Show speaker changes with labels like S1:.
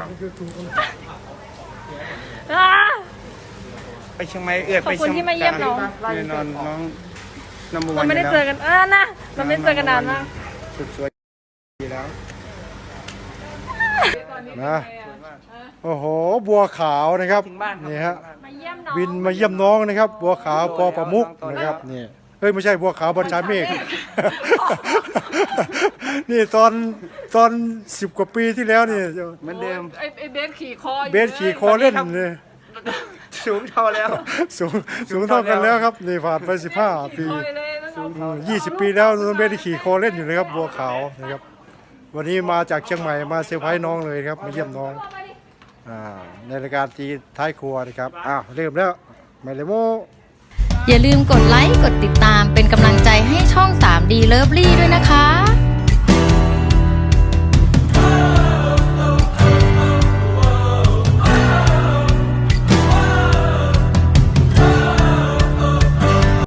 S1: ไปเชียงใหม่เอื้อไป
S2: ขอบคุณที่มาเยี่ยมน้อง
S1: แน่นอนน้องนัมเบอร์วั
S2: เรา
S1: น
S2: ไม่ได้เจอกันนะเราไม่ได้เจอกันนานมาก
S1: สุดสวยดีแล้ว
S3: นะโอ้โหบัวขาวนะครับ
S1: ถึงบ้านครับ
S3: นี่ฮะ
S2: มาเยี่ยมน้อง
S3: บินมาเยี่ยมน้องนะครับ บัวขาวปอประมุกนะครับนี่เฮ้ยไม่ใช่บัวขาวบัญชาเมฆ นี่ตอน10 กว่าปีที่แล้วนี่
S1: เหมือนเดิม
S2: ไอ้เบสขี่คอ
S3: เบสขี่คอเล่นเลย
S1: สูงเท่าแล้ว
S3: สูงเท่ากันแล้วครับนี่ผ่านไป15 ปี 20 ปีแล้วน้องเบสขี่คอเล่นอยู่เลยครับบัวขาวนะครับวันนี้มาจากเชียงใหม่มาเซอร์ไพรส์น้องเลยครับมาเยี่ยมน้องในรายการตีท้ายครัวนะครับเริ่มแล้วไม่เลยโม
S4: อย่าลืมกดไลค์ กดติดตามเป็นกำลังใจให้ช่อง 3D Lovely ด้วยนะคะ